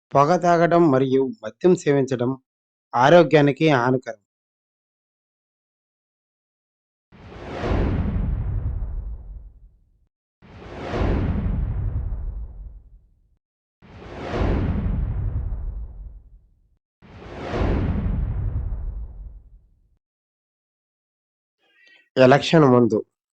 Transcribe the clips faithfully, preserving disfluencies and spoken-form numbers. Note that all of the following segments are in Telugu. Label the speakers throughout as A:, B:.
A: పొగ తాగడం మరియు మద్యం సేవించడం ఆరోగ్యానికి హానికరం. ఎలక్షన్ ముందు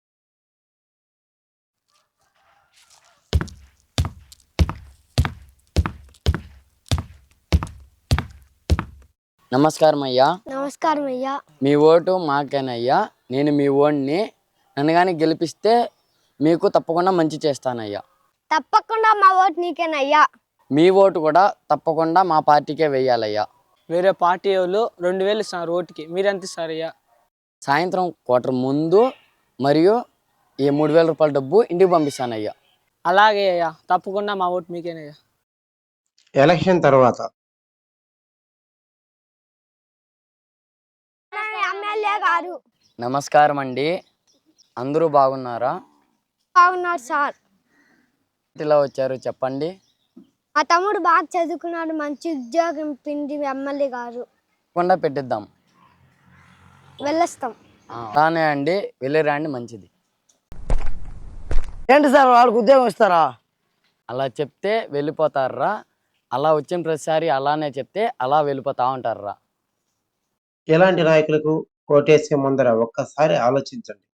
B: నమస్కారం అయ్యా.
C: నమస్కారం అయ్యా.
B: మీ ఓటు మాకేనయ్యా. నేను మీ ఓటుని నన్ను కానీ గెలిపిస్తే మీకు తప్పకుండా మంచి చేస్తానయ్యా.
C: తప్పకుండా మా ఓటు నీకేనయ్యా.
B: మీ ఓటు కూడా తప్పకుండా మా పార్టీకే వేయాలయ్యా.
D: వేరే పార్టీ వాళ్ళు రెండు వేలు ఇస్తున్నారు ఓటుకి, మీరు ఎంత ఇస్తారయ్యా?
B: సాయంత్రం క్వార్టర్ ముందు మరియు ఈ మూడు వేల రూపాయల డబ్బు ఇంటికి పంపిస్తానయ్యా.
D: అలాగే అయ్యా, తప్పకుండా మా ఓటు మీకేనయ్యా.
A: ఎలక్షన్ తర్వాత
C: ఎమ్మెల్యే గారు
B: నమస్కారం అండి. అందరూ బాగున్నారా?
C: బాగున్నారు సార్.
B: ఇలా వచ్చారు చెప్పండి.
C: మా తమ్ముడు బాగా చదువుకున్నాడు, మంచి ఉద్యోగం పిండి ఎమ్మెల్యే గారు.
B: తప్పకుండా పెట్టిద్దాం.
C: వెళ్ళొస్తాం.
B: అలానే అండి, వెళ్ళిరండి, మంచిది.
E: ఏంటి సార్ వాళ్ళకి ఉద్యోగం ఇస్తారా?
B: అలా చెప్తే వెళ్ళిపోతారా? అలా వచ్చిన ప్రతిసారి అలానే చెప్తే అలా వెళ్ళిపోతా ఉంటారా?
A: ఇలాంటి నాయకులకు ఓటేసే ముందర ఒక్కసారి ఆలోచించండి.